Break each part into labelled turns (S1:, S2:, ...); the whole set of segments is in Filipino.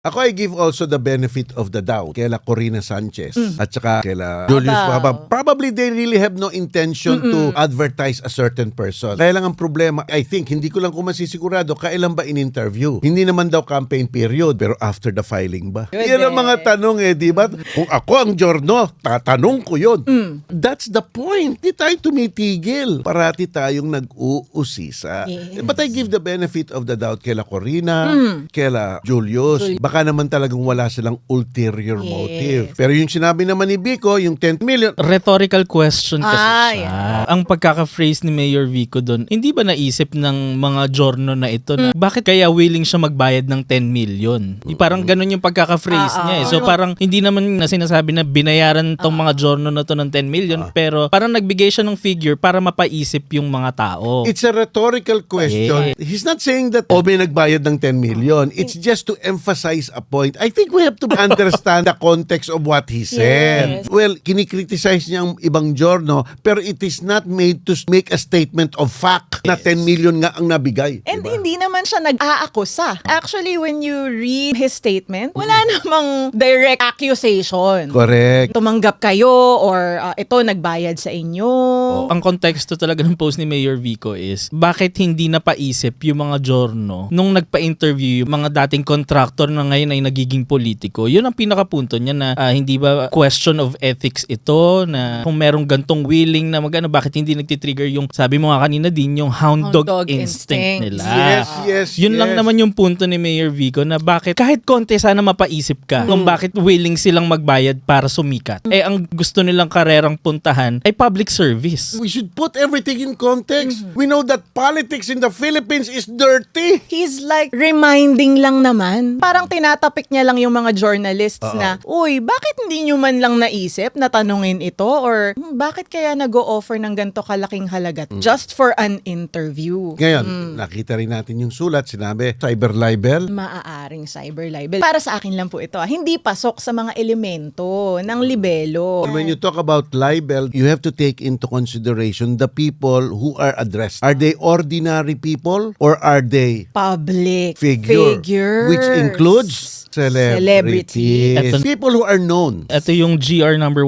S1: Ako, I give also the benefit of the doubt kaila Corina Sanchez at saka kaila Julius Babao. Probably they really have no intention to advertise a certain person. Kaya lang ang problema, I think, hindi ko lang kung masisigurado, kailan ba in-interview? Hindi naman daw campaign period, pero after the filing ba? Yan ang mga tanong di ba? Kung ako ang Giorno, tatanong ko yun. That's the point. Hindi tayo tumitigil. Parati tayong nag-uusisa.
S2: Yes.
S1: But I give the benefit of the doubt kaila Corina, kaila Julius. Baka naman talagang wala silang ulterior motive. Pero yung sinabi naman ni Vico, yung 10 million,
S3: Rhetorical question kasi siya.
S2: yeah.
S3: Ang pagkaka-phrase ni Mayor Vico doon, hindi ba naisip ng mga Giorno na ito na bakit kaya willing siya magbayad ng 10 million? Parang ganun yung pagkaka-phrase niya eh. So parang hindi naman na sinasabi na binayaran tong mga Giorno na to ng 10 million pero parang nagbigay siya ng figure para mapaisip yung mga tao.
S1: it's a rhetorical question. He's not saying that may nagbayad ng 10 million. It's just to emphasize a point. I think we have to understand the context of what he said.
S2: Yes.
S1: Well, kinikriticize niya ang ibang Giorno, pero it is not made to make a statement of fact na 10 million nga ang nabigay.
S2: And
S1: Diba?
S2: hindi naman siya nag-aakusa. Actually, when you read his statement, wala namang direct accusation.
S1: Correct.
S2: Tumanggap kayo or ito nagbayad sa inyo.
S3: Ang konteksto talaga ng post ni Mayor Vico is bakit hindi napaisip yung mga Giorno nung nagpa-interview yung mga dating contractor na ngayon ay nagiging politiko. Yun ang pinakapunto niya na hindi ba question of ethics ito na kung merong gantong willing na magano bakit hindi nagtitrigger yung sabi mo nga kanina din yung hound dog instinct nila.
S1: Yes.
S3: Yun lang naman yung punto ni Mayor Vico na bakit kahit konti sana mapaisip ka kung bakit willing silang magbayad para sumikat. Eh ang gusto nilang karerang puntahan ay public service.
S1: We should put everything in context. We know that politics in the Philippines is dirty.
S2: He's like reminding lang naman. Parang tinatapik niya lang yung mga journalists na, uy, bakit hindi nyo man lang naisip na tanungin ito? Or bakit kaya nag-o-offer ng ganito kalaking halaga just for an interview?
S1: Ngayon, nakita rin natin yung sulat, sinabi, cyber libel.
S2: Maaaring cyber libel. Para sa akin lang po ito, hindi pasok sa mga elemento ng libelo.
S1: When you talk about libel, you have to take into consideration the people who are addressed. Are they ordinary people or are they
S2: Public
S1: figures? Which includes celebrities.
S3: Ito-
S1: People who are known.
S3: Ito yung GR number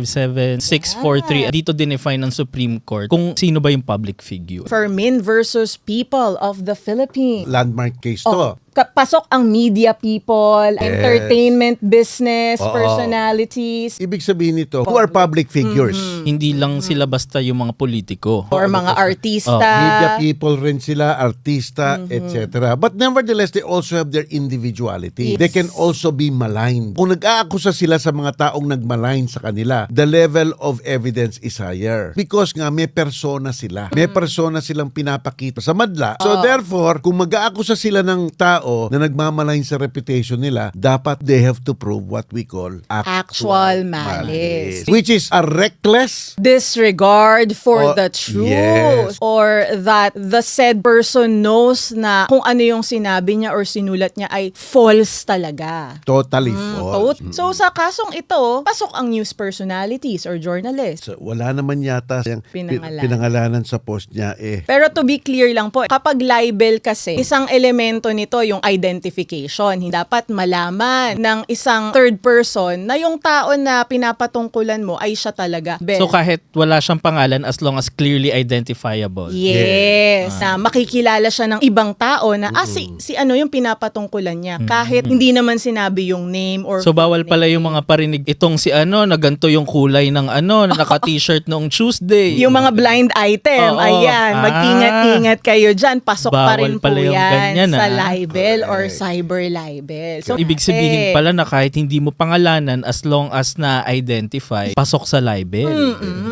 S3: 157643. Dito dinefine ng Supreme Court kung sino ba yung public figure.
S2: Fermin versus People of the Philippines.
S1: Landmark case to.
S2: Pasok ang media people, entertainment business, personalities,
S1: Ibig sabihin nito, who are public figures.
S3: Hindi lang sila basta yung mga politiko.
S2: or mga artista.
S1: Media people rin sila, artista, etc. But nevertheless, they also have their individuality. They can also be maligned. Kung nag-aakusa sila sa mga taong nagmalign sa kanila, the level of evidence is higher. Because nga, may persona sila. May persona silang pinapakita sa madla. So therefore, kung mag-aakusa sila ng tao na nagmamalain sa reputation nila, dapat they have to prove what we call
S2: Actual malice.
S1: which is a reckless
S2: Disregard for the truth.
S1: yes.
S2: Or that the said person knows na kung ano yung sinabi niya or sinulat niya ay false talaga.
S1: totally false.
S2: So sa kasong ito, pasok ang news personalities or journalists.
S1: So, wala naman yata yung
S2: Pinangalanan.
S1: pinangalanan sa post niya
S2: Pero to be clear lang po, kapag libel kasi, isang elemento nito yung identification. Hindi dapat malaman ng isang third person na yung tao na pinapatungkulan mo ay siya talaga.
S3: So kahit wala siyang pangalan as long as clearly identifiable.
S2: Yes. Na makikilala siya ng ibang tao na si ano yung pinapatungkulan niya. Kahit hindi naman sinabi yung name or
S3: So bawal pala yung mga parinig itong si ano na ganito yung kulay ng ano na naka-t-shirt noong Tuesday.
S2: yung mga blind item.
S3: Oo.
S2: Ayan, mag-ingat-ingat kayo dyan. Pasok pa
S3: Bawal
S2: rin po
S3: pala yung
S2: yan
S3: ganyan,
S2: sa
S3: ah.
S2: libel or cyber libel. So,
S3: Ibig sabihin pala na kahit hindi mo pangalanan as long as na-identify, pasok sa libel.